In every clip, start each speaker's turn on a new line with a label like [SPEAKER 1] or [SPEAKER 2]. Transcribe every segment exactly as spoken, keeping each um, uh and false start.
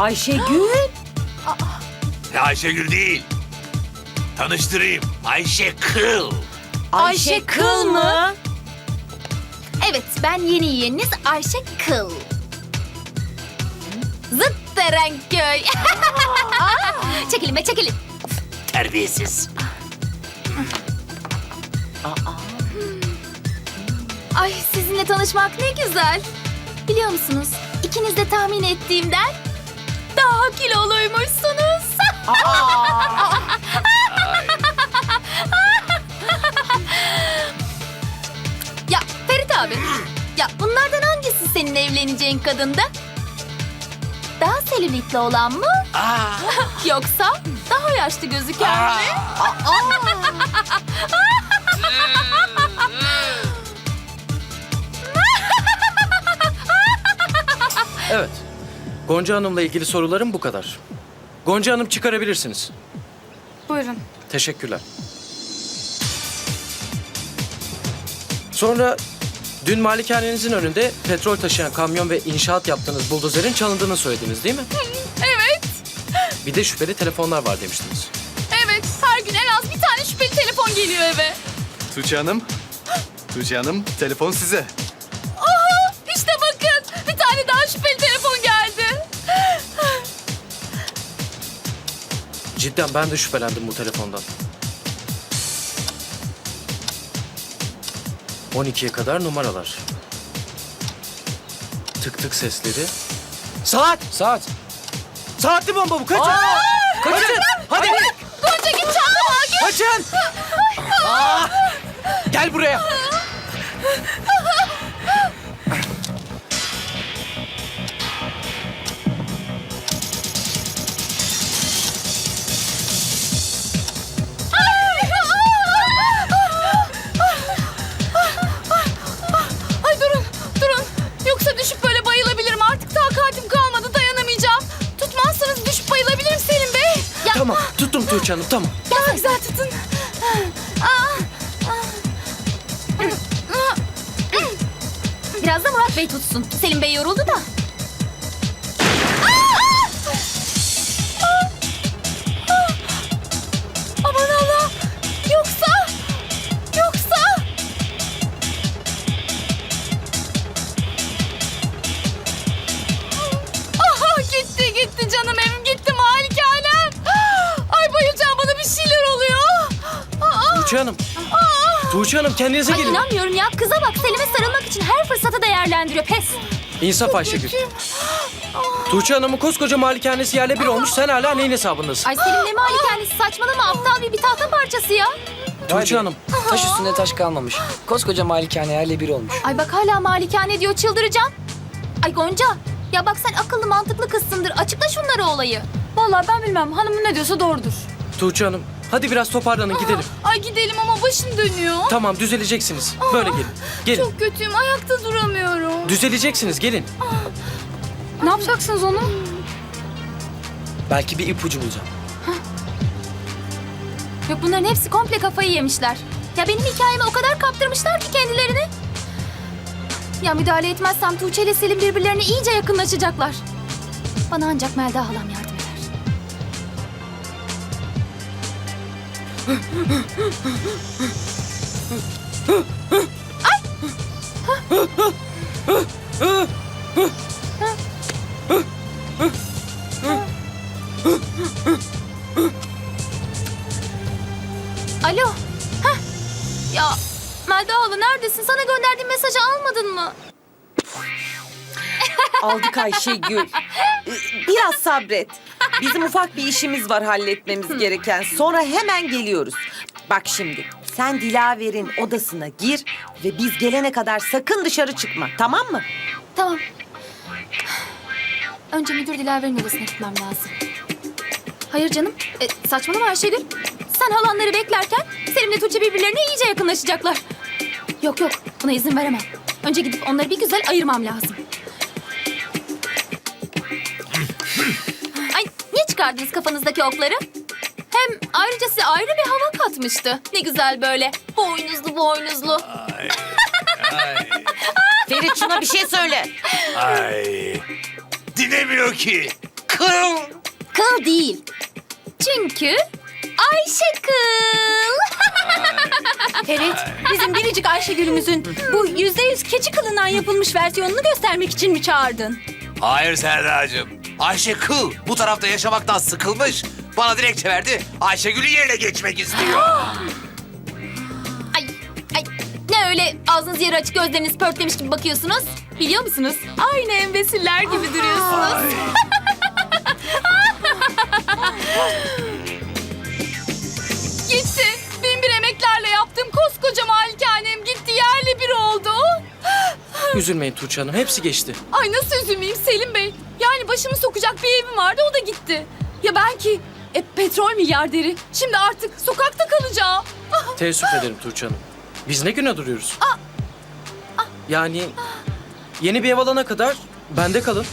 [SPEAKER 1] Ayşegül.
[SPEAKER 2] Ayşegül değil. Tanıştırayım. Ayşe Kıl.
[SPEAKER 1] Ayşe Kıl mı?
[SPEAKER 3] Evet, ben yeni yeğeniniz Ayşe Kıl. Zıt Erenköy. Çekilin be, çekilin.
[SPEAKER 2] Terbiyesiz.
[SPEAKER 3] Ay, sizinle tanışmak ne güzel. Biliyor musunuz, ikiniz de tahmin ettiğimden daha kiloluymuşsunuz. Ya Ferit abi, ya bunlardan hangisi senin evleneceğin kadındı? Daha selülitli olan mı? Yoksa daha yaşlı gözüken mi?
[SPEAKER 4] Evet. Gonca Hanım'la ilgili sorularım bu kadar. Gonca Hanım çıkarabilirsiniz.
[SPEAKER 5] Buyurun.
[SPEAKER 4] Teşekkürler. Sonra dün malikanenizin önünde petrol taşıyan kamyon ve inşaat yaptığınız buldozerin çalındığını söylediniz değil mi?
[SPEAKER 5] Evet,
[SPEAKER 4] Bir de şüpheli telefonlar var demiştiniz.
[SPEAKER 5] evet. Her gün en az bir tane şüpheli telefon geliyor eve.
[SPEAKER 6] Tuğçe Hanım. Tuğçe Hanım, telefon size.
[SPEAKER 5] Aha, işte bakın. Bir tane daha şüpheli telefon geldi.
[SPEAKER 4] Cidden ben de şüphelendim bu telefondan. on ikiye kadar numaralar. Tık tık sesleri. Saat! Saat! Saatli bomba bu, kaçın! Kaçın! Hadi!
[SPEAKER 5] Gonca git çantamı al git.
[SPEAKER 4] Kaçın! Aa! Gel buraya!
[SPEAKER 5] Ay durun, durun. Yoksa düşüp böyle bayılabilirim. Artık takatim kalmadı, dayanamayacağım. Tutmazsanız düşüp bayılabilirim Selim Bey.
[SPEAKER 4] Tamam, tuttum Tuğçe Hanım, tamam.
[SPEAKER 5] Daha güzel tutun.
[SPEAKER 3] Biraz da Murat Bey tutsun. Selim Bey yoruldu da.
[SPEAKER 5] Aman Allah. Yoksa, yoksa. Aha gitti gitti canım evim gitti malikanem. Ay bayılacağım bana bir şeyler oluyor. Aa,
[SPEAKER 4] Tuğçe Hanım. Tuğçe Hanım kendinize
[SPEAKER 3] Ay
[SPEAKER 4] gelin.
[SPEAKER 3] inanmıyorum ya. Kıza bak, Selim'e sarılmak için her fırsatı değerlendiriyor. Pes.
[SPEAKER 4] İnsaf Ayşegül. Tuğçe Hanım'ın koskoca malikanesi yerle bir olmuş. Sen hala neyin hesabındasın?
[SPEAKER 3] Ay Selim ne malikanesi, saçmalama, aptal bir bir tahta parçası ya.
[SPEAKER 4] Tuğçe Hanım.
[SPEAKER 7] Taş üstünde taş kalmamış. Koskoca malikane yerle bir olmuş.
[SPEAKER 3] Ay bak hala malikane diyor, çıldıracağım. Ay Gonca, ya bak sen akıllı mantıklı kızsındır. Açıkla şunları olayı.
[SPEAKER 5] vallahi ben bilmem hanımın ne diyorsa doğrudur.
[SPEAKER 4] Tuğçe Hanım. Hadi biraz toparlanın gidelim.
[SPEAKER 5] Ay gidelim ama başım dönüyor.
[SPEAKER 4] Tamam düzeleceksiniz. Böyle gelin. Gelin.
[SPEAKER 5] Çok kötüyüm ayakta duramıyorum.
[SPEAKER 4] Düzeleceksiniz gelin.
[SPEAKER 5] Ne yapacaksınız onu?
[SPEAKER 4] Belki bir ipucu bulacağım.
[SPEAKER 3] Yok bunların hepsi komple kafayı yemişler. Ya benim hikayeme o kadar kaptırmışlar ki kendilerini. Ya müdahale etmezsem Tuğçe ile Selim birbirlerine iyice yakınlaşacaklar. Bana ancak Melda halam yardım eder. Alo. Heh. Ya Melda hala neredesin? Sana gönderdiğim mesajı almadın mı?
[SPEAKER 1] Aldık Ayşegül. Ee, Biraz sabret. Bizim ufak bir işimiz var halletmemiz gereken. Sonra hemen geliyoruz. Bak şimdi sen Dilaver'in odasına gir ve biz gelene kadar sakın dışarı çıkma. Tamam mı?
[SPEAKER 3] Tamam. Önce müdür Dilaver'in odasına gitmem lazım. Hayır canım. E, saçmalama Ayşegül. Sen halanları beklerken Selim'le Tuğçe birbirlerine iyice yakınlaşacaklar. Yok yok, buna izin veremem. Önce gidip onları bir güzel ayırmam lazım. Ay niye çıkardınız kafanızdaki okları? Hem ayrıca size ayrı bir hava katmıştı. Ne güzel böyle. Boynuzlu boynuzlu.
[SPEAKER 2] Ay. Ay.
[SPEAKER 1] Ferit şuna bir şey söyle.
[SPEAKER 2] Ay. Dinlemiyor ki. kıl.
[SPEAKER 3] Kıl değil. Çünkü Ayşe kıl.
[SPEAKER 8] Evet, bizim biricik Ayşegül'ümüzün bu yüzde yüz keçi kılından yapılmış versiyonunu göstermek için mi çağırdın?
[SPEAKER 2] Hayır Serdar'cığım. Ayşe kıl bu tarafta yaşamaktan sıkılmış. Bana dilekçe verdi. Ayşegül'ün yerine geçmek istiyor.
[SPEAKER 3] Ay, ay. Ne öyle ağzınız yarı açık gözleriniz pörtlemiş gibi bakıyorsunuz? Biliyor musunuz? Aynı embesiller gibi duruyorsunuz.
[SPEAKER 5] Gitti. Bin bir emeklerle yaptığım koskoca malikanem gitti, yerle bir oldu.
[SPEAKER 4] Üzülmeyin Tuğçe Hanım, hepsi geçti.
[SPEAKER 5] Ay nasıl üzülmeyeyim Selim Bey? Yani başımı sokacak bir evim vardı, o da gitti. Ya ben ki e, petrol milyarderi. Şimdi artık sokakta kalacağım.
[SPEAKER 4] Teessüf ederim Tuğçe Hanım. Biz ne güne duruyoruz? Yani yeni bir ev alana kadar bende kalın.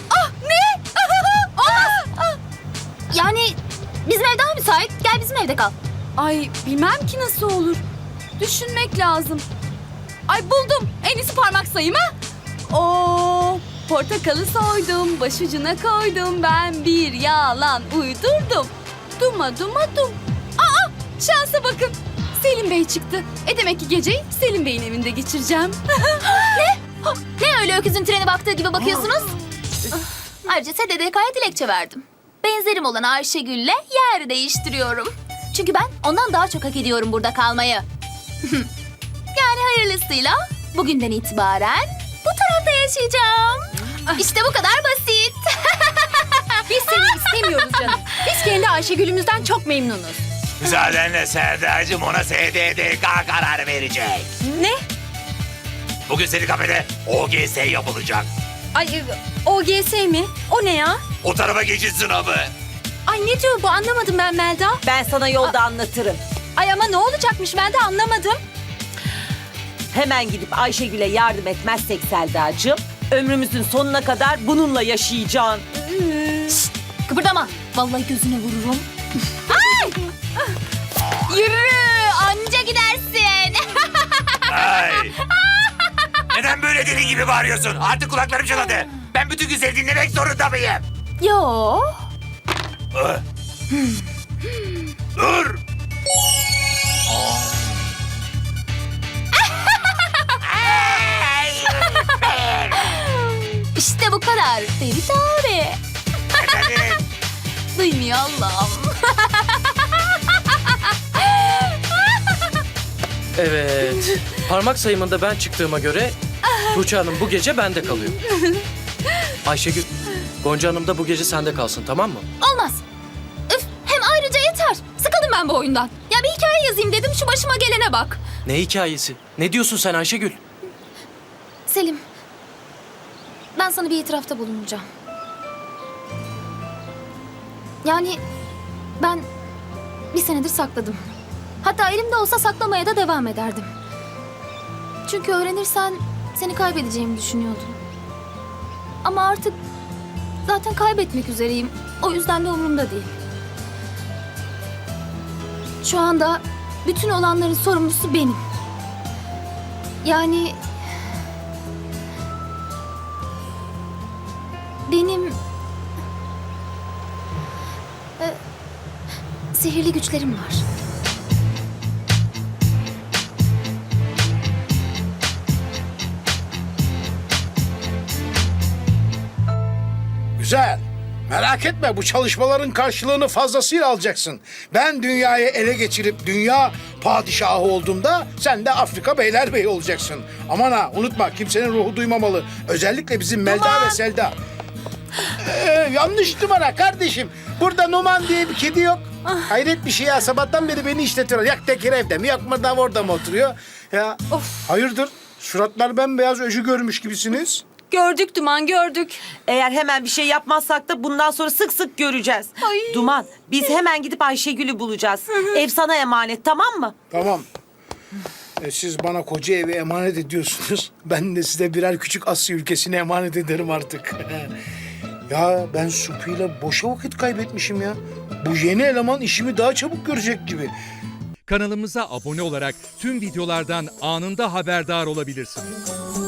[SPEAKER 3] Yani bizim ev daha müsait. Gel bizim evde kal.
[SPEAKER 5] Ay bilmem ki nasıl olur. Düşünmek lazım. Ay buldum. En iyisi parmak sayım ha. Oo, portakalı soydum, başucuna koydum. Ben bir yalan uydurdum. Duma duma dum. Aa, şansa bakın. Selim Bey çıktı. E demek ki geceyi Selim Bey'in evinde geçireceğim.
[SPEAKER 3] Ne öyle öküzün trene baktığı gibi bakıyorsunuz? Ayrıca S D D K'ya dilekçe verdim. Benzerim olan Ayşegül'le yer değiştiriyorum. Çünkü ben ondan daha çok hak ediyorum burada kalmayı. Yani hayırlısıyla bugünden itibaren bu tarafta yaşayacağım. İşte bu kadar basit.
[SPEAKER 8] Biz seni istemiyoruz canım. Biz kendi Ayşegül'ümüzden çok memnunuz.
[SPEAKER 2] Müsaadenle Serdar'cığım ona S D D K karar verecek.
[SPEAKER 8] Ne?
[SPEAKER 2] Bugün senin kafede O G S yapılacak.
[SPEAKER 8] Ay O G S mi? O ne ya?
[SPEAKER 2] O tarafa geçiş sınavı.
[SPEAKER 8] Ay ne diyor bu, anlamadım ben Melda.
[SPEAKER 1] Ben sana yolda anlatırım.
[SPEAKER 8] Ay ama ne olacakmış, ben de anlamadım.
[SPEAKER 1] Hemen gidip Ayşegül'e yardım etmezsek Selda'cığım, ömrümüzün sonuna kadar bununla yaşayacaksın.
[SPEAKER 3] Kıpırdama. Vallahi gözüne vururum. Ay! Yürü, anca gidersin.
[SPEAKER 2] Ay. Neden böyle deli gibi bağırıyorsun? Artık kulaklarım çınladı. Ben bütün gün seni dinlemek zorunda mıyım?
[SPEAKER 3] Yo.
[SPEAKER 2] Ah. Dur.
[SPEAKER 3] İşte bu kadar Ferit abi.
[SPEAKER 2] Efendim?
[SPEAKER 3] Duymuyor Allah'ım.
[SPEAKER 4] Evet. Parmak sayımında ben çıktığıma göre Tuğçe Hanım bu gece bende kalıyor. Ayşegül, Gonca Hanım da bu gece sende kalsın, tamam mı?
[SPEAKER 3] Olmaz. Üf, hem ayrıca yeter. Sıkıldım ben bu oyundan. Ya bir hikaye yazayım dedim, şu başıma gelene bak.
[SPEAKER 4] Ne hikayesi? Ne diyorsun sen Ayşegül?
[SPEAKER 3] Selim, ben sana bir itirafta bulunacağım. Yani ben bir senedir sakladım. Hatta elimde olsa saklamaya da devam ederdim. Çünkü öğrenirsen seni kaybedeceğimi düşünüyordum. Ama artık zaten kaybetmek üzereyim. O yüzden de umurumda değil. Şu anda bütün olanların sorumlusu benim. Yani benim e, sihirli güçlerim var.
[SPEAKER 9] Güzel. Merak etme, bu çalışmaların karşılığını fazlasıyla alacaksın. Ben dünyayı ele geçirip dünya padişahı olduğumda sen de Afrika beylerbeyi olacaksın. Aman ha, unutma, kimsenin ruhu duymamalı. Özellikle bizim Melda ve Selda. Ee, yanlış numara kardeşim. Burada Numan diye bir kedi yok. Hayret bir şey ya, sabahtan beri beni işletiyor. Yak tekir evde mi, yak mı da orada mı oturuyor? Ya hayırdır? Suratlar bembeyaz, öcü görmüş gibisiniz.
[SPEAKER 8] Gördük Duman, gördük.
[SPEAKER 1] Eğer hemen bir şey yapmazsak da bundan sonra sık sık göreceğiz. Duman, biz hemen gidip Ayşegül'ü bulacağız. Ev sana emanet, tamam mı?
[SPEAKER 9] Tamam. E, siz bana koca evi emanet ediyorsunuz. Ben de size birer küçük Asya ülkesine emanet ederim artık. Ya ben Supi'yle boşa vakit kaybetmişim ya. Bu yeni eleman işimi daha çabuk görecek gibi.
[SPEAKER 10] Kanalımıza abone olarak tüm videolardan anında haberdar olabilirsiniz.